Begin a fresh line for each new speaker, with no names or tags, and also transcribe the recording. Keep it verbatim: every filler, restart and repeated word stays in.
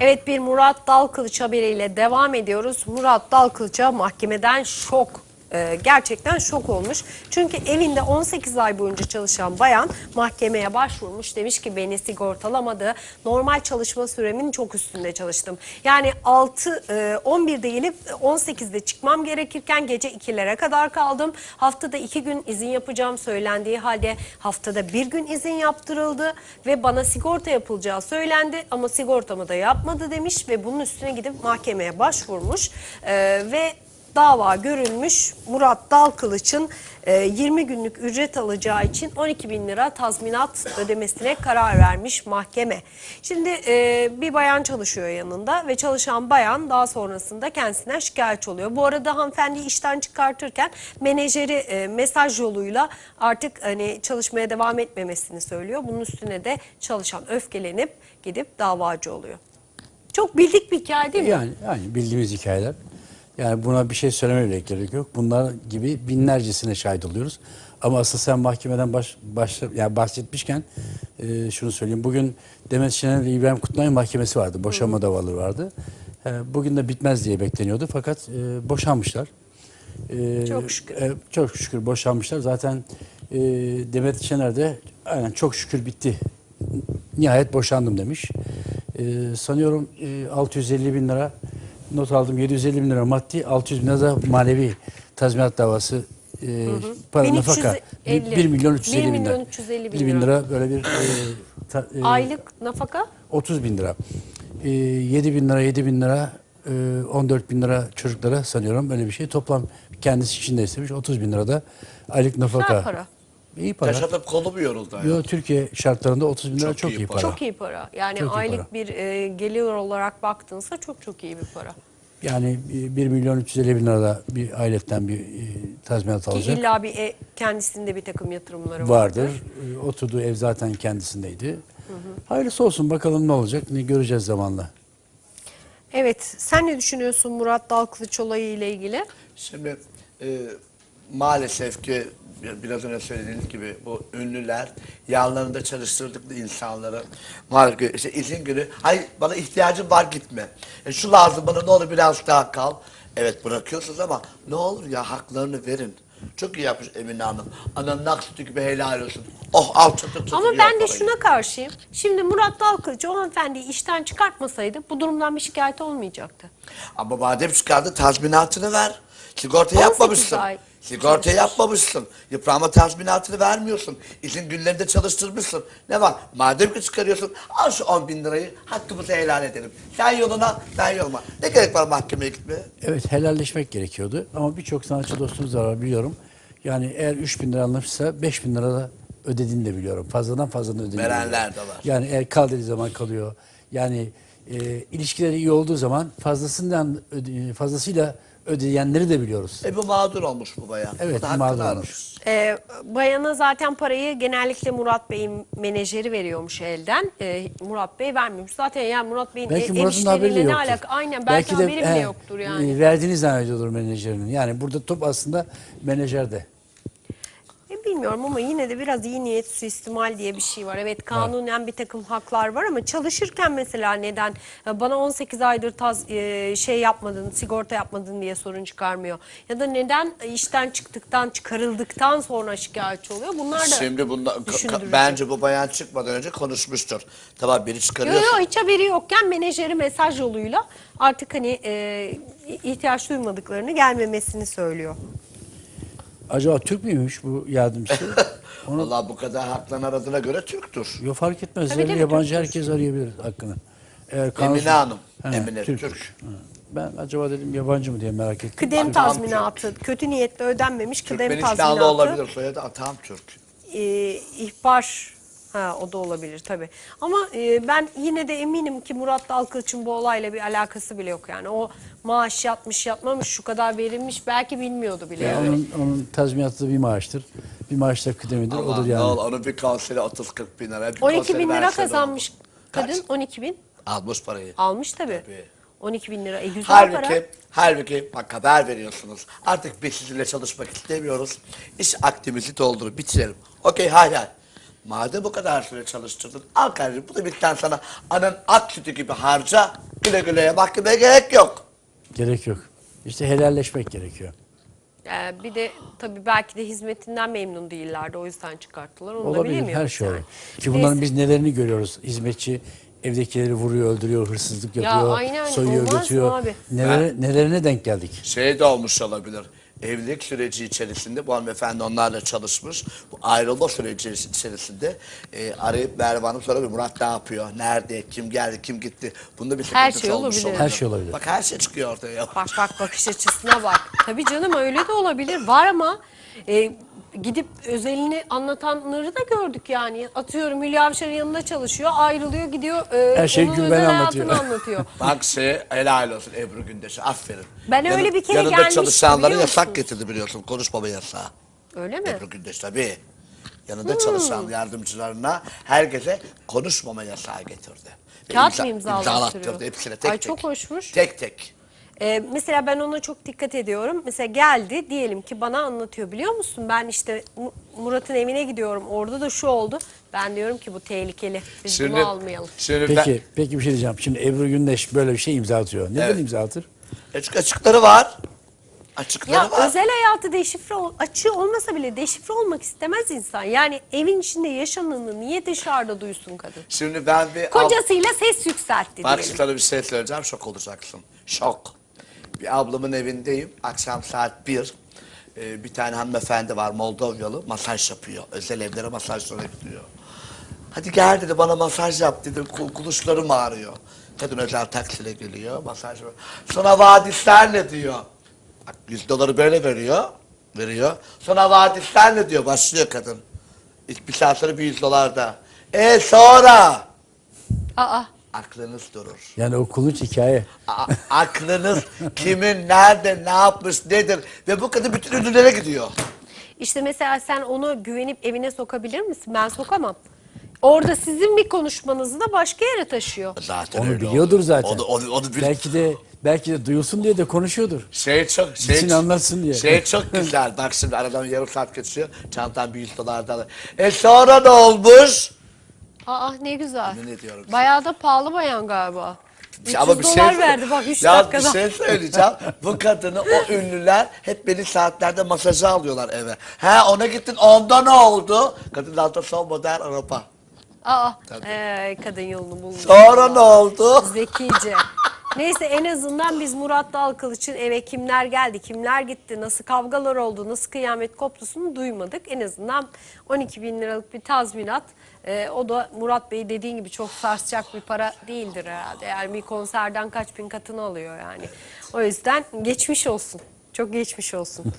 Evet, bir Murat Dalkılıç haberiyle devam ediyoruz. Murat Dalkılıç'a mahkemeden şok. Ee, gerçekten şok olmuş. Çünkü evinde on sekiz ay boyunca çalışan bayan mahkemeye başvurmuş. Demiş ki beni sigortalamadı. Normal çalışma süremin çok üstünde çalıştım. Yani altı on birde gelip on sekizde çıkmam gerekirken gece ikilere kadar kaldım. Haftada iki gün izin yapacağım söylendiği halde haftada bir gün izin yaptırıldı ve bana sigorta yapılacağı söylendi ama sigortamı da yapmadı demiş ve bunun üstüne gidip mahkemeye başvurmuş ee, ve dava görülmüş. Murat Dalkılıç'ın yirmi günlük ücret alacağı için on iki bin lira tazminat ödemesine karar vermiş mahkeme. Şimdi bir bayan çalışıyor yanında ve çalışan bayan daha sonrasında kendisinden şikayetçi oluyor. Bu arada hanımefendi işten çıkartırken menajeri mesaj yoluyla artık hani çalışmaya devam etmemesini söylüyor. Bunun üstüne de çalışan öfkelenip gidip davacı oluyor. Çok bildik bir hikaye değil mi?
Yani, yani bildiğimiz hikayeler. Yani buna bir şey söylemeye gerek yok. Bunlar gibi binlercesine şahit oluyoruz. Ama asıl sen mahkemeden baş, baş, yani bahsetmişken e, şunu söyleyeyim. Bugün Demet Şener ve İbrahim Kutluay'ın mahkemesi vardı. Boşanma Hı. davaları vardı. E, bugün de bitmez diye bekleniyordu. Fakat e, boşanmışlar. E,
çok şükür.
E, çok şükür boşanmışlar. Zaten e, Demet Şener de aynen çok şükür bitti. Nihayet boşandım demiş. E, sanıyorum e, altı yüz elli bin lira not aldım. yedi yüz elli bin lira maddi, altı yüz bin lira da manevi tazminat davası, e, hı hı. para nafaka. bir milyon üç yüz elli bin lira. bir bin lira böyle bir e, ta, e,
aylık nafaka?
otuz bin lira. E, yedi bin lira, yedi bin lira, e, on dört bin lira çocuklara sanıyorum böyle bir şey. Toplam kendisi için de istemiş. otuz bin lira da aylık nafaka.
Güzel para.
İyi para.
Yaşatıp kolu mu yoruldu?
Yo, Türkiye şartlarında otuz bin lira çok,
çok
iyi,
iyi
para.
Çok iyi para. Yani
çok
aylık
para.
bir e, gelir olarak baktığınızda çok çok iyi bir para.
Yani bir milyon üç yüz elli bin lira da bir ailetten bir e, tazminat alacak.
Ki illa bir e, kendisinde bir takım yatırımları
vardır.
vardır.
E, oturduğu ev zaten kendisindeydi. Hı hı. Hayırlısı olsun, bakalım ne olacak, ne göreceğiz zamanla.
Evet, sen ne düşünüyorsun Murat Dalkılıç olayı ile ilgili?
Şimdi e, maalesef ki biraz önce söylediğiniz gibi bu ünlüler yanlarında çalıştırdıkları insanları maalesef işte izin günü, hayır bana ihtiyacım var gitme. E, şu lazım bana, ne olur biraz daha kal. Evet bırakıyorsunuz ama ne olur ya haklarını verin. Çok iyi yapmış Emine Hanım. Ananın ak sütü gibi helal olsun. Oh al çatır çatır.
Ama ben de şuna karşıyım. Şimdi Murat Dalkılıç o hanımefendiyi işten çıkartmasaydı bu durumdan bir şikayet olmayacaktı.
Ama madem çıkardı tazminatını ver. Sigorta yapmamışsın. Sigorta yapmamışsın. Yıpranma tazminatını vermiyorsun. İzin günlerinde çalıştırmışsın. Ne var? Madem ki çıkarıyorsun, al şu on bin lirayı, hakkımızı helal edelim. Sen yoluna, ben yoluma. Ne gerek var mahkemeye gitmeye?
Evet, helalleşmek gerekiyordu ama birçok sanatçı dostumuz da var, biliyorum. Yani eğer üç bin lira almışsa beş bin lira da ödediğini de biliyorum. Fazladan fazladan ödediğini
Verenler de var.
Yani eğer kal dediği zaman kalıyor. Yani e, ilişkileri iyi olduğu zaman fazlasından öde, fazlasıyla ödeyenleri de biliyoruz.
E bu mağdur olmuş bu bayan.
Evet, mağdur olmuş.
Ee, bayana zaten parayı genellikle Murat Bey'in menajeri veriyormuş elden. Ee, Murat Bey vermiyormuş. Zaten yani Murat Bey'in
belki Murat'ın haberi de
ne
yoktur.
alaka? Aynen, belki, belki de, haberi bile he, yoktur yani.
Verdiğini zannediyordur menajerinin. Yani burada top aslında menajerde.
E, bilmiyorum ama yine de biraz iyi niyet suistimal diye bir şey var. Evet, kanunen bir takım haklar var ama çalışırken mesela neden bana on sekiz aydır taz, e, şey yapmadın, sigorta yapmadın diye sorun çıkarmıyor? Ya da neden işten çıktıktan, çıkarıldıktan sonra şikayetçi oluyor? Bunlar da
Şimdi bunda, bence bu bayan çıkmadan önce konuşmuştur. Tamam, biri çıkarıyorsun.
Yok yok, hiç haberi yokken menajeri mesaj yoluyla artık hani e, ihtiyaç duymadıklarını, gelmemesini söylüyor.
Acaba Türk müymüş bu yardımcısı?
Onu... Vallahi bu kadar haklarını aradığına göre Türk'tür.
Yok, fark etmez.
Tabii, tabii,
yabancı
Türk'tür.
herkes arayabilir hakkını. Eğer kanun...
Emine Hanım.
He,
Emine Türk.
Türk. Ben acaba dedim yabancı mı diye merak ettim.
Kıdem tazminatı, kötü niyetle ödenmemiş kıdem tazminatı.
Türkmenistanlı olabilir, soyadı Atam Türk.
E, ihbar, ha o da olabilir tabii. Ama e, ben yine de eminim ki Murat Dalkılıç'ın bu olayla bir alakası bile yok yani. O maaş yatmış yatmamış, şu kadar verilmiş, belki bilmiyordu bile.
Yani onun, onun tazminatı da bir maaştır. Bir maaş da kıdemidir.
Allah,
odur yani.
Allah, onun bir konseri otuz kırk bin lira.
on iki bin lira kazanmış kadın. Kaç? on iki bin.
Almış parayı.
Almış tabii.
Tabii.
on iki bin lira. E, güzel
halbuki,
para.
halbuki bak haber veriyorsunuz. Artık biz sizinle çalışmak istemiyoruz. İş aktivimizi doldurup bitirelim. Okey, hay hay. Madem bu kadar süre çalıştırdın, al kardeşim bu da bitten sana anan at sütü gibi harca, güle güleye mahkemeye gerek yok.
Gerek yok. İşte helalleşmek gerekiyor.
Ee, bir de tabii belki de hizmetinden memnun değillerdi. O yüzden çıkarttılar. Onu da
Olabilir,
bilemiyoruz
her şey
yani.
olur. Ki bunların
Neyse.
biz nelerini görüyoruz? Hizmetçi evdekileri vuruyor, öldürüyor, hırsızlık
Ya
yapıyor,
aynen,
soyuyor,
olmaz mı
götürüyor.
abi?
Nelere, nelerine denk geldik?
Şey de olmuş olabilir. Evlilik süreci içerisinde bu hanımefendi onlarla çalışmış. Bu ayrılma süreci içerisinde e, arayıp Merve Hanım soruyor. Murat ne yapıyor? Nerede? Kim geldi? Kim gitti? Bunda bir
Her
sıkıntısı
şey
olmuş
olabilir.
olabilir.
Her şey olabilir.
Bak her şey çıkıyor ortaya.
Bak bak bakış açısına bak. Tabii canım öyle de olabilir. Var ama e, gidip özelini anlatanları da gördük yani. Atıyorum Hülya Avşar'ın yanında çalışıyor, ayrılıyor, gidiyor. E,
Her şeyi
onun
Gülben
özel
anlatıyor.
hayatını anlatıyor.
Bak şey helal olsun Ebru Gündeş'e. Aferin.
Ben öyle bir kere
yanında
gelmiştim,
çalışanlara
biliyor
yasak
musunuz?
getirdi biliyorsun. Konuşmama yasağı.
Öyle mi?
Ebru Gündeş tabii. Yanında çalışan yardımcılarına herkese konuşmama yasağı getirdi. Ve
Kağıt
imza-
mı imzalattırıyor?
imzalattırdı hepsine tek
Ay,
tek.
çok hoşmuş.
Tek tek.
Ee, mesela ben ona çok dikkat ediyorum. Mesela geldi diyelim ki bana anlatıyor, biliyor musun? Ben işte Mu- Murat'ın evine gidiyorum. Orada da şu oldu. Ben diyorum ki bu tehlikeli. Biz
Şimdi,
bunu almayalım.
şimdi
Peki, peki bir şey diyeceğim. Şimdi Ebru Gündeş böyle bir şey imza atıyor. Neden
Evet.
imza atır?
ben, açık açıkları var. Açıkları
Ya
var.
özel hayatı deşifre ol, açığı olmasa bile deşifre olmak istemez insan. Yani evin içinde yaşananı niye dışarıda duysun kadın?
Şimdi ben bir...
Kocasıyla ses yükseltti
Bak
diyelim.
sana bir şey söyleyeceğim, şok olacaksın. Şok. Bir ablamın evindeyim, akşam saat bir. Ee, bir tane hanımefendi var, Moldovyalı, masaj yapıyor. Özel evlere masajlara gidiyor. Hadi gel dedi, bana masaj yap dedi, Kul- kuluşlarım ağrıyor. Kadın özel taksiyle geliyor, masaj yapıyor. Sana vaat ister ne diyor. Bak yüz doları böyle veriyor, veriyor. Sana vaat ister ne diyor, başlıyor kadın. İlk bir saat sonra bir yüz dolar da. E sonra...
Aa,
Aklınız durur.
Yani o kulunç hikaye.
A- aklınız kimin, nerede, ne yapmış, nedir ve bu kadın bütün ünlülere gidiyor.
işte mesela sen onu güvenip evine sokabilir misin? Ben sokamam. Orada sizin bir konuşmanızı da başka yere taşıyor.
Zaten
Onu
öyle
biliyordur
oldu.
zaten.
Onu, onu, onu bil-
Belki de belki de duyulsun diye de konuşuyordur.
Şey çok, şey,
Gitsin anlatsın diye.
Şey çok güzel. Bak şimdi aradan yarım saat geçiyor. Çantam bir yüz dolar da alır. E sonra ne olmuş?
Aa ne güzel.
Yemin ediyorum.
Bayağı da pahalı bayan galiba. üç yüz
Ama bir şey
dolar verdi bak üç
ya
dakikada.
bir şey söyleyeceğim. Bu kadını o ünlüler hep belli saatlerde masaja alıyorlar eve. He ona gittin onda ne oldu? Kadın altta son model araba.
Aa,
Tabii.
ee, kadın yolunu bulmuş.
Sonra ne oldu?
Zekice. Neyse en azından biz Murat Dalkılıç'ın eve kimler geldi, kimler gitti, nasıl kavgalar oldu, nasıl kıyamet koptusunu duymadık. En azından on iki bin liralık bir tazminat. Ee, o da Murat Bey dediğin gibi çok sarsacak bir para değildir herhalde. Yani bir konserden kaç bin katını alıyor yani. O yüzden geçmiş olsun. Çok geçmiş olsun.